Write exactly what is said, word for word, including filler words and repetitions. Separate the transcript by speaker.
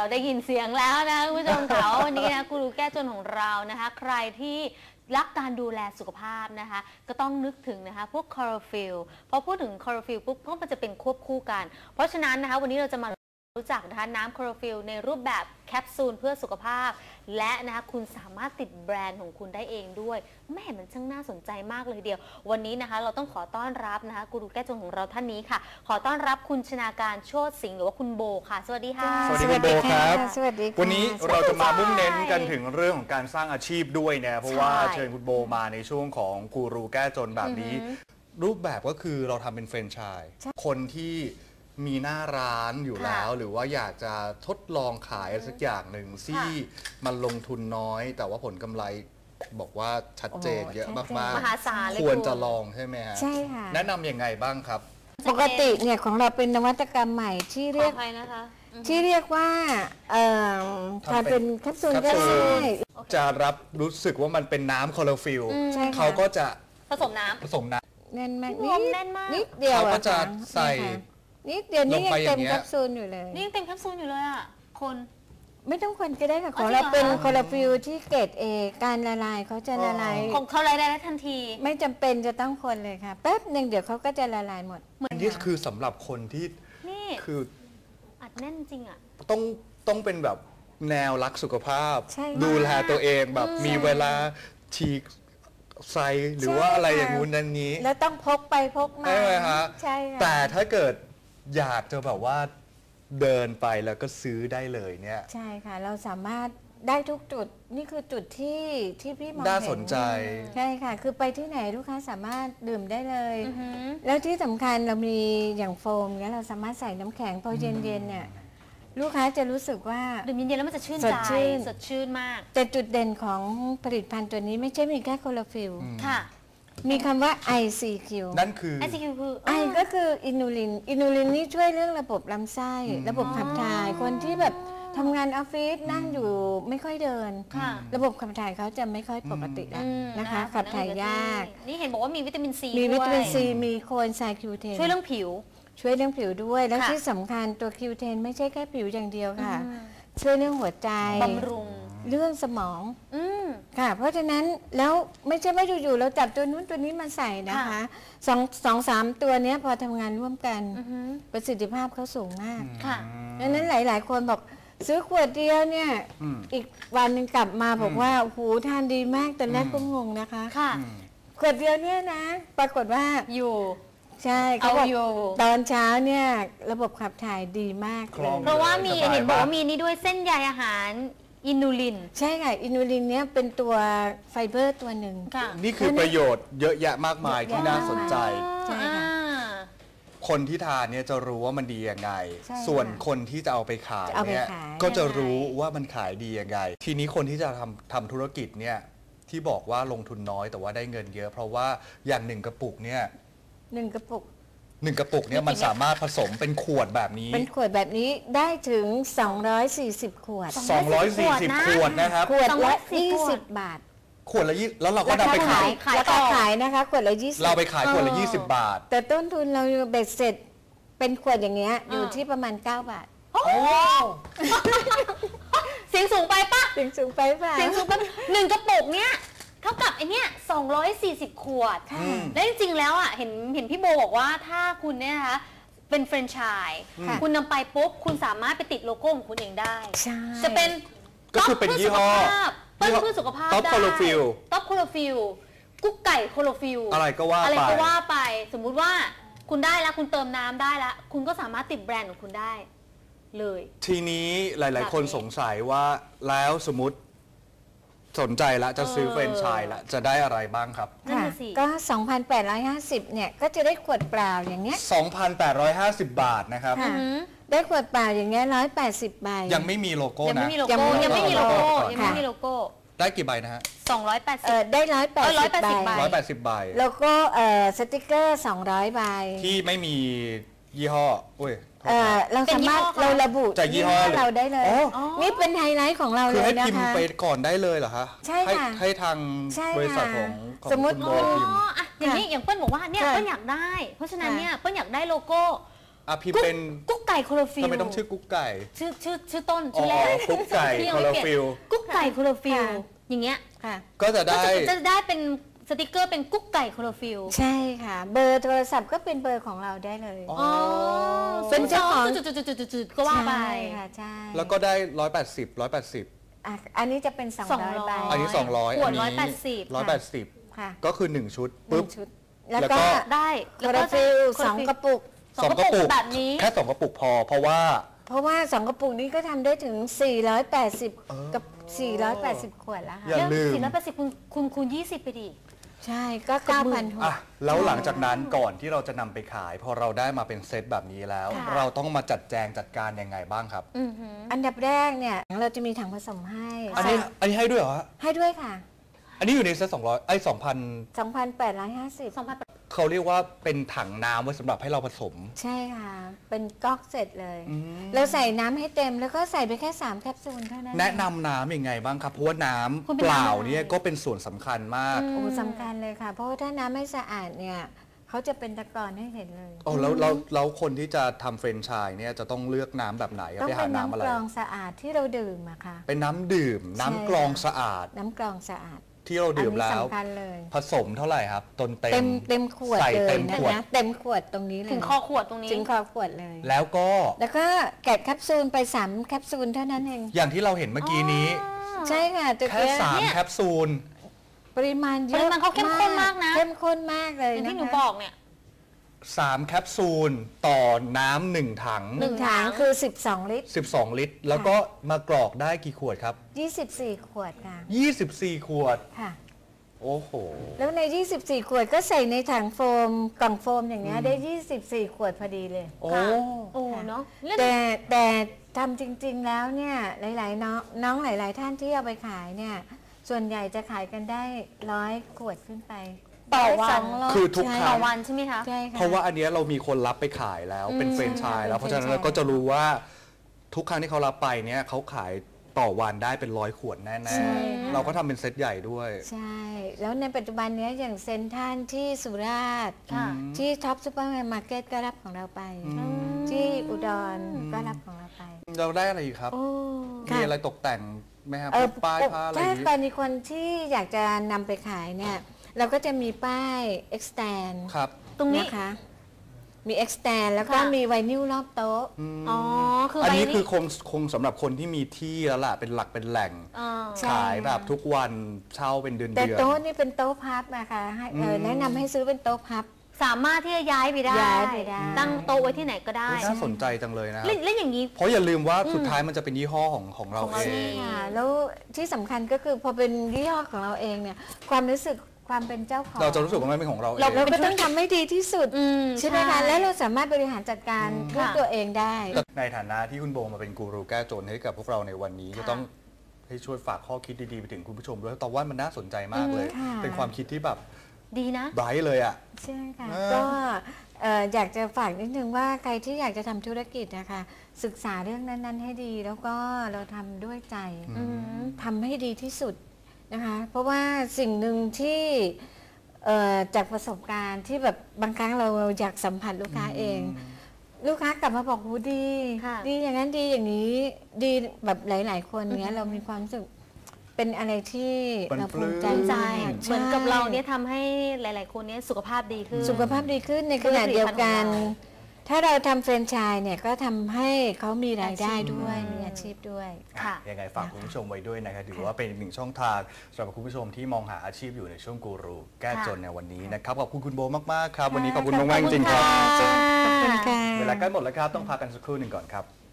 Speaker 1: ได้ยินเสียงแล้วนะคุณผู้ชมค่ะวันนี้นะกูรูแก้จนของเรานะคะใครที่รักการดูแลสุขภาพนะคะก็ต้องนึกถึงนะคะพวกคลอโรฟิลพอพูดถึงคลอโรฟิลปุ๊บก็มันจะเป็นควบคู่กันเพราะฉะนั้นนะคะวันนี้เราจะมารู้จักนะคะน้ำคลอโรฟิลในรูปแบบแคปซูลเพื่อสุขภาพและนะคะคุณสามารถติดแบรนด์ของคุณได้เองด้วยแม่มันช่างน่าสนใจมากเลยเดียววันนี้นะคะเราต้องขอต้อนรับนะคะกูรูแก้จนของเราท่านนี้ค่ะขอต้อนรับคุณชนาการโชติสิงห์หรือว่าคุณโบค่ะสวัสดีค่ะ
Speaker 2: สวัสดีคุณโบครับ
Speaker 3: สวัสดีค่ะ
Speaker 2: วันนี้เราจะมามุ่งเน้นกันถึงเรื่องของการสร้างอาชีพด้วยนะเพราะว่าเชิญคุณโบมาในช่วงของกูรูแก้จนแบบนี้รูปแบบก็คือเราทำเป็นแฟรนไชส์คนที่มีหน้าร้านอยู่แล้วหรือว่าอยากจะทดลองขายสักอย่างหนึ่งที่มันลงทุนน้อยแต่ว่าผลกำไรบอกว่าชัดเจนเยอะมากๆ
Speaker 1: มหาศาลเลย
Speaker 2: ควรจะลองใช่ไหมฮะ
Speaker 3: ใช่ค่ะ
Speaker 2: แนะนำยังไงบ้างครับ
Speaker 3: ปกติเนี่ยของเราเป็นนวัตกรรมใหม่ที่เรียกที่เรียกว่าทานเป็นแคปซูลก็ได้
Speaker 2: จะรับรู้สึกว่ามันเป็นน้ำคลอโรฟิลเขาก็จะ
Speaker 1: ผสมน้ำ
Speaker 2: ผสมน้
Speaker 3: ำแน่นมาก
Speaker 1: นิด
Speaker 3: เดียว
Speaker 2: เขาก็จะใส่
Speaker 3: นิดเดียวนี่ยังเต็มแคปซูลอยู่เลย
Speaker 1: นี่ยังเต็มแคปซูลอยู่เลยอ่ะคน
Speaker 3: ไม่ต้องคนก็ได้ค่ะของเราเป็นคลอโรฟิลที่เกรด เอ การละลายเขาจะละลาย
Speaker 1: ของเขาละลายได้ทันที
Speaker 3: ไม่จำเป็นจะต้องคนเลยค่ะแป๊บหนึ่งเดี๋ยวเขาก็จะละลายหมด
Speaker 2: นี่คือสำหรับคนที่
Speaker 1: นี่
Speaker 2: คือ
Speaker 1: อัดแน่นจริงอ่ะ
Speaker 2: ต้องต้องเป็นแบบแนวรักสุขภาพดูแลตัวเองแบบมีเวลาฉีกไซหรือว่าอะไรอย่างงู้นนั้นนี้
Speaker 3: แล้วต้องพกไปพกมา
Speaker 2: ใช่ไหมฮะ
Speaker 3: ใช่ค่ะ
Speaker 2: แต่ถ้าเกิดอยากจะแบบว่าเดินไปแล้วก็ซื้อได้เลยเนี่ย
Speaker 3: ใช่ค่ะเราสามารถได้ทุกจุดนี่คือจุดที่ที่พี่มองเห็น
Speaker 2: น่าสนใจ
Speaker 3: ใช่ค่ะคือไปที่ไหนลูกค้าสามารถดื่มได้เลยแล้วที่สำคัญเรามีอย่างโฟมเนี่ยเราสามารถใส่น้ำแข็งพอเย็นๆเนี่ยลูกค้าจะรู้สึกว่า
Speaker 1: ดื่มเย็นๆแล้วมันจะชื่นใจสดชื่นมาก
Speaker 3: แต่จุดเด่นของผลิตภัณฑ์ตัวนี้ไม่ใช่มีแค่คลอโรฟิล
Speaker 1: ค่ะ
Speaker 3: มีคำว่า ไอ ซี คิว
Speaker 2: นั่นคือ
Speaker 1: ไอ ซี คิว คือ
Speaker 3: ไอก็คืออินูลินอินูลินนี่ช่วยเรื่องระบบลำไส้ระบบขับถ่ายคนที่แบบทำงานออฟฟิศนั่งอยู่ไม่ค่อยเดินระบบขับถ่ายเขาจะไม่ค่อยปกติแล้วนะคะขับถ่ายยาก
Speaker 1: นี่เห็นบอกว่ามีวิตามินซี
Speaker 3: มีวิตามินซีมีโคเอนไซม์คิวเทน
Speaker 1: ช่วยเรื่องผิว
Speaker 3: ช่วยเรื่องผิวด้วยแล้วที่สำคัญตัวคิวเทนไม่ใช่แค่ผิวอย่างเดียวค่ะช่วยเรื่องหัวใจ
Speaker 1: บำรุง
Speaker 3: เรื่องสมองค่ะเพราะฉะนั้นแล้วไม่ใช่ว่าอยู่ๆเราจับตัวนู้นตัวนี้มาใส่นะคะสองสองสามตัวนี้พอทำงานร่วมกันประสิทธิภาพเขาสูงมาก
Speaker 1: ค่ะ
Speaker 3: ดังนั้นหลายๆคนบอกซื้อขวดเดียวเนี่ยอีกวันหนึ่งกลับมาบอกว่าโอ้โหทานดีมากแต่แรกก็งงนะคะ
Speaker 1: ค่ะ
Speaker 3: ขวดเดียวเนี่ยนะปรากฏว่า
Speaker 1: อยู่
Speaker 3: ใช่เขาบอกตอนเช้าเนี่ยระบบขับถ่ายดีมากเลย
Speaker 1: เพราะว่ามีเห็นบอกว่ามีนี่ด้วยเส้นใยอาหารอินูลิน
Speaker 3: ใช่ค่ะอินูลินเนี่ยเป็นตัวไฟเบอร์ตัวหนึ่ง
Speaker 2: นี่คือประโยชน์เยอะแยะมากมายที่น่าสนใจ
Speaker 3: ใช่ค่ะ
Speaker 2: คนที่ทานเนี่ยจะรู้ว่ามันดียังไงส่วนคนที่จะเอาไปขายเนี่ยก็จะรู้ว่ามันขายดียังไงทีนี้คนที่จะทำทำธุรกิจเนี่ยที่บอกว่าลงทุนน้อยแต่ว่าได้เงินเยอะเพราะว่าอย่างหนึ่งกระปุกเนี่ย
Speaker 3: หนึ่งกระปุก
Speaker 2: หนึ่งกระปุกเนี่ยมันสามารถผสมเป็นขวดแบบนี้
Speaker 3: เป็นขวดแบบนี้ได้ถึงสองร้อยสี่สิบขวด
Speaker 2: สองร้อยสี่สิบขวดนะครับ
Speaker 3: ขวดละยี่สิบบาท
Speaker 2: ขวดละยี่แล้วเราก็นำไปขาย
Speaker 3: แล้วก็ขายนะคะขวดละยี่สิบ
Speaker 2: เราไปขายขวดละยี่สิบบาท
Speaker 3: แต่ต้นทุนเราเบ็ดเสร็จเป็นขวดอย่างเงี้ยอยู่ที่ประมาณเก้าบาท
Speaker 1: โอ้เสียงสูงไปปะ
Speaker 3: เสียงสูงไปปะ
Speaker 1: เสียงสูงไปหนึ่งกระปุกเนี้ยเท่ากับไอเนี้ยสองร้อยสี่สิบขวดและจริงๆแล้วอ่ะเห็นเห็นพี่โบบอกว่าถ้าคุณเนี่ยนะคะเป็นแฟรนไชส์คุณนำไปปุ๊บคุณสามารถไปติดโลโก้ของคุณเองได้จะเป็น
Speaker 2: ก็คือเป็นยี่ห้อ
Speaker 1: เพื่อสุขภาพ
Speaker 2: ท็อปโคโลฟิล
Speaker 1: ท็อปโคโลฟิลกุ๊กไก่โคโลฟิล
Speaker 2: อะไรก็ว่า
Speaker 1: อะไรก็ว่าไปสมมุติว่าคุณได้แล้วคุณเติมน้ำได้แล้วคุณก็สามารถติดแบรนด์ของคุณได้เลย
Speaker 2: ทีนี้หลายๆคนสงสัยว่าแล้วสมมติสนใจละจะซื้อแฟรนไชส์ละจะได้อะไรบ้างครับ
Speaker 3: ก็ สองพันแปดร้อยห้าสิบ เนี่ยก็จะได้ขวดเปล่าอย่างเงี้ย
Speaker 2: สองพันแปดร้อยห้าสิบ บาทนะครับ
Speaker 3: ได้ขวดเปล่าอย่างเงี้ยหนึ่งร้อยแปดสิบใบ
Speaker 2: ยังไม่มีโลโก้นะ
Speaker 1: ยังไม่มีโลโก้ยังไม่มีโลโก้ยังไม่มีโลโก้
Speaker 2: ได้กี่ใบนะฮะ
Speaker 1: สองร้อยแปดสิบ
Speaker 3: เออได้หนึ่งร้อยแปดสิบใบ
Speaker 2: หนึ่งร้อยแปดสิบใบ
Speaker 3: แล้วก็เอ่อสติกเกอร์สองร้อยใบ
Speaker 2: ที่ไม่มียี่ห้ออุ้ย
Speaker 3: เออเราสามารถเราระบุ
Speaker 2: จากยี่ห้อ
Speaker 3: เราได้เลยนี่เป็นไฮไลท์ของเราเลยนะคะ
Speaker 2: คือให้พิมพ์ไปก่อนได้เลยเหรอคะ
Speaker 3: ใช่ค่ะ
Speaker 2: ให้ทางบริษัทของ
Speaker 3: สมมติ
Speaker 1: อ๋ออย่างนี้อย่างเปิ้ลบอกว่าเนี่ยเปิ้ลอยากได้เพราะฉะนั้นเนี่ยเปิ้ลอยากได้โลโก้
Speaker 2: อ่ะพิมพ์เป็น
Speaker 1: กุ๊กไไก่โคลอฟิล
Speaker 2: ทำไมต้องชื่อกุ๊กไก่
Speaker 1: ชื่อชื่อชื่อต้น
Speaker 2: อ๋
Speaker 1: ชื่
Speaker 2: อ
Speaker 1: อแรก
Speaker 2: กุ๊กไก่
Speaker 1: ที่ยัง
Speaker 2: โคล
Speaker 1: ไม่
Speaker 2: อ
Speaker 1: เปลี่ยน
Speaker 2: ฟิล
Speaker 1: กุ๊กไก่โคลอฟิล
Speaker 3: ค่ะ
Speaker 1: อย่างเงี้ย
Speaker 3: ค่ะ
Speaker 2: ก็จะ
Speaker 1: ก็
Speaker 2: ได้
Speaker 1: จะจะได้เป็นสติกเกอร์เป็นกุ๊กไก่โคลอฟิล
Speaker 3: ใช่ค่ะ เบอร์โทรศัพท์ก็เป็นเบอร์ของเราได้เลย
Speaker 2: อ๋อ
Speaker 1: อ๋อ
Speaker 3: เป็นเจ้าของ
Speaker 1: จุดๆๆๆๆก็ว่าไป
Speaker 3: ใช่ค่ะใช่
Speaker 2: แล้วก็ได้ร้อยแปดสิบร้อยแปดสิบ
Speaker 3: อ่ะอันนี้จะเป็นสอง
Speaker 1: สอง
Speaker 3: ร้อย
Speaker 1: ร้อย
Speaker 3: ใบ
Speaker 2: อันนี้สองร้อย
Speaker 1: ขวด
Speaker 2: อันนี้
Speaker 1: ร้อยแปดสิบ
Speaker 2: ร้อยแปดสิบ
Speaker 3: ค่ะ
Speaker 2: ก็คือหนึ่งชุด
Speaker 3: หนึ่
Speaker 2: ปุ๊บ
Speaker 3: งชุด แล้ว
Speaker 2: แล้วก็
Speaker 3: ก็
Speaker 1: ได้
Speaker 3: โคลอฟิลสองกระปุก
Speaker 1: สองกระปุกแบบนี้
Speaker 2: แค่สองกระปุกพอ เพราะว่า
Speaker 3: เพราะว่าสองกระปุกนี้ก็ทำได้ถึง สี่ร้อยแปดสิบ กับ สี่ร้อยแปดสิบ ขวดแล้ว
Speaker 2: อย่า
Speaker 3: ค่ะ
Speaker 2: ลืม
Speaker 1: สี่ร้อยแปดสิบคูณคูณคูณยี่สิบไปดิ
Speaker 3: ใช่ก็
Speaker 1: เกือบหมื่
Speaker 3: เก้าพัน
Speaker 1: น
Speaker 3: ห
Speaker 2: อ่ะ
Speaker 3: ก
Speaker 2: แล้วหลังจากนั้นก่อนที่เราจะนำไปขาย พอเราได้มาเป็นเซตแบบนี้แล้ว
Speaker 1: ค่ะ
Speaker 2: เราต้องมาจัดแจงจัดการยังไงบ้างครับ
Speaker 1: อือหือ
Speaker 3: อันดับแรกเนี่ยเราจะมีถังผสมให้
Speaker 2: อันนี้อันนี้ให้ด้วยเหรอฮะ
Speaker 3: ให้ด้วยค่ะ
Speaker 2: อันนี้อยู่ในเซตสองร้อยไอ้สองพัน
Speaker 3: สองพันแปดร้อยห้าสิบ
Speaker 1: สองพัน
Speaker 2: เขาเรียกว่าเป็นถังน้ำไว้สำหรับให้เราผสม
Speaker 3: ใช่ค่ะ เป็นก๊อกเสร็จเลย
Speaker 2: อืม
Speaker 3: เราใส่น้ำให้เต็มแล้วก็ใส่ไปแค่สามแคปซูลเท่านั้น
Speaker 2: แนะนำน้ำยังไงบ้างครับ เพราะว่าน้
Speaker 1: คุณ
Speaker 2: ำ
Speaker 1: เป็น
Speaker 2: เปล่า
Speaker 1: น้ำอะไร
Speaker 2: เนี่ยก็เป็นส่วนสำคัญมาก
Speaker 3: โอ้สำคัญเลยค่ะ เพราะว่าถ้าน้ำไม่สะอาดเนี่ยเขาจะเป็นตะกอนให้เห็นเลย
Speaker 2: โอ้แล้วแล้วแล้วคนที่จะทำเฟรนไชส์เนี่ยจะต้องเลือกน้ำแบบไหนครับ
Speaker 3: ต้อง
Speaker 2: ไปหา
Speaker 3: เป็น
Speaker 2: น้ำอะไร
Speaker 3: น้ำกรองสะอาดที่เราดื่มอะค่ะ
Speaker 2: เป็นน้ำดื่ม น้ำกรองสะอาด
Speaker 3: น้ำกรองสะอาด
Speaker 2: ที่เราดื่ม
Speaker 3: อันนี้
Speaker 2: แล้ว
Speaker 3: สำคัญเลย
Speaker 2: ผสมเท่าไหร่ครับตนเต็
Speaker 3: เต็
Speaker 2: ม
Speaker 3: มเต็มขวด
Speaker 2: ใส่
Speaker 3: เล
Speaker 2: เต็
Speaker 3: ย
Speaker 2: ม
Speaker 3: นะ
Speaker 2: ขวด
Speaker 3: คะเต็มขวดตรงนี้เลย
Speaker 1: ถึงคอขวดตรงนี้
Speaker 3: ถึงคอขวดเลย
Speaker 2: แล้วก็
Speaker 3: แล้วก็แกะแคปซูลไปสามแคปซูลเท่านั้นเอง
Speaker 2: อย่างที่เราเห็นเมื่อกี้นี้
Speaker 3: ใช่ค่ะตัว
Speaker 2: แค่
Speaker 3: เนี้ย
Speaker 2: สาม
Speaker 1: เนี่ย
Speaker 2: แคปซูล
Speaker 3: ปริมาณเย
Speaker 1: ป
Speaker 3: อะ
Speaker 1: ริมาณเขาเข้มข้นมากนะ
Speaker 3: เข้มข้นมากเลย
Speaker 1: อย่าง
Speaker 3: นะ
Speaker 1: ที่หนู
Speaker 3: คะ
Speaker 1: บอกเนี่ย
Speaker 2: สามแคปซูลต่อน้ำหนึ่งถัง
Speaker 3: หนึ่งถังคือ สิบสอง ลิตร
Speaker 2: สิบสอง ลิตร แล้วก็มากรอกได้กี่ขวดครับ
Speaker 3: ยี่สิบสี่ ขวดค่ะ
Speaker 2: ยี่สิบสี่ ขวด
Speaker 3: ค่ะ
Speaker 2: โอ้โห
Speaker 3: แล้วใน ยี่สิบสี่ ขวดก็ใส่ในถังโฟมกล่องโฟมอย่างเงี้ยได้ ยี่สิบสี่ ขวดพอดีเลย
Speaker 2: โอ้
Speaker 1: ค่ะ โอ้เนาะเล่น
Speaker 3: แต่แต่ทำจริงๆแล้วเนี่ยหลายๆน้องน้องหลายๆท่านที่เอาไปขายเนี่ยส่วนใหญ่จะขายกันได้ร้อยขวดขึ้นไป
Speaker 1: ต่อวัน
Speaker 3: สงร้ย
Speaker 2: คือทุกครั้ง
Speaker 1: ต่อวันใช่ไหมคะ
Speaker 3: ใช่ค่ะ
Speaker 2: เพราะว่าอันเนี้ยเรามีคนรับไปขายแล้วเป็น
Speaker 1: อืม
Speaker 2: เฟรนไชส์แล้ว
Speaker 3: เป็น
Speaker 2: เพราะฉะนั้น
Speaker 3: แฟรนไชส์
Speaker 2: เราก็จะรู้ว่าทุกครั้งที่เขารับไปเนี่ยเขาขายต่อวันได้เป็นร้อยขวดแน่
Speaker 3: ใช่
Speaker 2: ๆ เราก็ทำเป็นเซตใหญ่ด้วย
Speaker 3: ใช่ แล้วในปัจจุบันเนี้ยอย่างเซนทรันที่สุราษฎร์
Speaker 1: ค่ะ
Speaker 3: ที่ท็อปซูเปอร์มาร์เก็ตก็รับของเราไป
Speaker 2: อืม
Speaker 3: ที่อุดรก็รับของเราไป
Speaker 2: เราได้อะไรอีกครับ
Speaker 1: โอ้
Speaker 2: มีอะไรตกแต่งไหมครับ
Speaker 3: เอ
Speaker 2: พ
Speaker 3: อ
Speaker 2: วกป้ายผ้าอะไรอ
Speaker 3: ถ้า
Speaker 2: ย่างนี้
Speaker 3: กรณีคนที่อยากจะนำไปขายเนี่ย เราก็จะมีป้าย extend
Speaker 2: ครับ
Speaker 1: ตรงนี้
Speaker 3: นะคะ มี extend แล้วก็
Speaker 1: ค่ะ
Speaker 3: มีไวนิลรอบโต๊ะ
Speaker 1: อ๋อ คือ
Speaker 2: อัน
Speaker 1: ใบ
Speaker 2: นี้
Speaker 1: นี้
Speaker 2: คือคงคงสำหรับคนที่มีที่แล้วล่ะเป็นหลักเป็นแหล่ง
Speaker 1: อ่า
Speaker 3: ใช่
Speaker 2: ขายแบบทุกวันเช่าเป็นเดือน
Speaker 3: แต่
Speaker 2: เดือน
Speaker 3: โต๊ะนี่เป็นโต๊ะพับนะคะให้เออ
Speaker 2: อืม
Speaker 3: แนะนำให้ซื้อเป็นโต๊ะพับ
Speaker 1: สามารถที่จะย้ายไปได้
Speaker 3: ย้ายไปได้
Speaker 1: ตั้งโต๊ะไว้ที่ไหนก็ได้
Speaker 2: อุ๊ยน่าสนใจจังเลยนะ
Speaker 1: แล้วแล้วอย่างนี้
Speaker 2: เพราะอย่าลืมว่าสุดท้ายมันจะเป็นยี่ห้อของของเรา
Speaker 1: ของ
Speaker 2: เอ
Speaker 1: เรา
Speaker 2: ง
Speaker 1: เอง
Speaker 3: ค่ะแล้วที่สำคัญก็คือพอเป็นยี่ห้อของเราเองเนี่ยความรู้สึกความเป็นเจ้าของ
Speaker 2: เราจะรู้สึกว่ามันเป็นของเราเอ
Speaker 3: เรา
Speaker 2: ง
Speaker 3: เราก็ต้องทำให้ดีที่สุด
Speaker 1: อืม
Speaker 3: ใช่ไหมคะและเราสามารถบริหารจัดการ
Speaker 2: อืม
Speaker 3: ด้วย
Speaker 1: ค่ะ
Speaker 3: ตัวเองได้
Speaker 2: ในฐานะที่คุณโบมาเป็นกูรูแก้จนให้กับพวกเราในวันนี้
Speaker 1: ค่ะ
Speaker 2: จะต้องให้ช่วยฝากข้อคิดดีๆไปถึงคุณผู้ชมด้วยตอนว่ามันน่าสนใจมากเลย
Speaker 3: อืมค่ะ
Speaker 2: เป็นความคิดที่แบบ
Speaker 1: ดีนะ
Speaker 2: ไบรท์เลยอ่ะ
Speaker 3: ใช่ค่ะ
Speaker 2: เออ
Speaker 3: ก็เอ่ออยากจะฝากนิดนึงว่าใครที่อยากจะทำธุรกิจนะคะศึกษาเรื่องนั้น ๆ ให้ดี แล้วก็เราทำด้วยใจ
Speaker 1: อืม
Speaker 3: ทำให้ดีที่สุดนะคะ เพราะว่าสิ่งหนึ่งที่เอ่อจากประสบการณ์ที่แบบบางครั้งเราอยากสัมผัสลูกค้าเอง ลูกค้ากลับมาบอกหูดี
Speaker 1: ค่ะ
Speaker 3: ดีอย่างนั้นดีอย่างนี้ดีแบบหลาย ๆ คนเนี้ยเรามีความรู้สึกเป็นอะไรที่
Speaker 2: มัน
Speaker 3: เราภูมิใจ
Speaker 2: ปลื้ม
Speaker 1: ใจ
Speaker 3: มาก
Speaker 1: เหมือนกับ
Speaker 3: ใช่
Speaker 1: เราเนี่ยทำให้หลาย ๆ คนเนี่ยสุขภาพดีขึ้น
Speaker 3: สุขภาพดีขึ้นในขณะเดียวกัน ถ้าเราทำแฟรนไชส์เนี่ยก็ทำให้เขามีรายได้ด้วย
Speaker 1: อาชีพ
Speaker 3: มีอาชีพด้วย
Speaker 1: ค่ะ
Speaker 2: ยังไงฝากคุณผู้ชมไว้ด้วยนะครับถือว่าเป็นอีกหนึ่งช่องทางสำหรับคุณผู้ชมที่มองหาอาชีพอยู่ในช่วงกูรูแก้จนในวันนี้นะครับขอบคุณคุณโบมากๆครับวันนี้ขอบคุณมากๆจริงๆครับ
Speaker 3: ขอบคุณค่ะ
Speaker 2: เวลาใกล้หมดแล้วครับต้องพักกันสักครู่หนึ่งก่อนครับ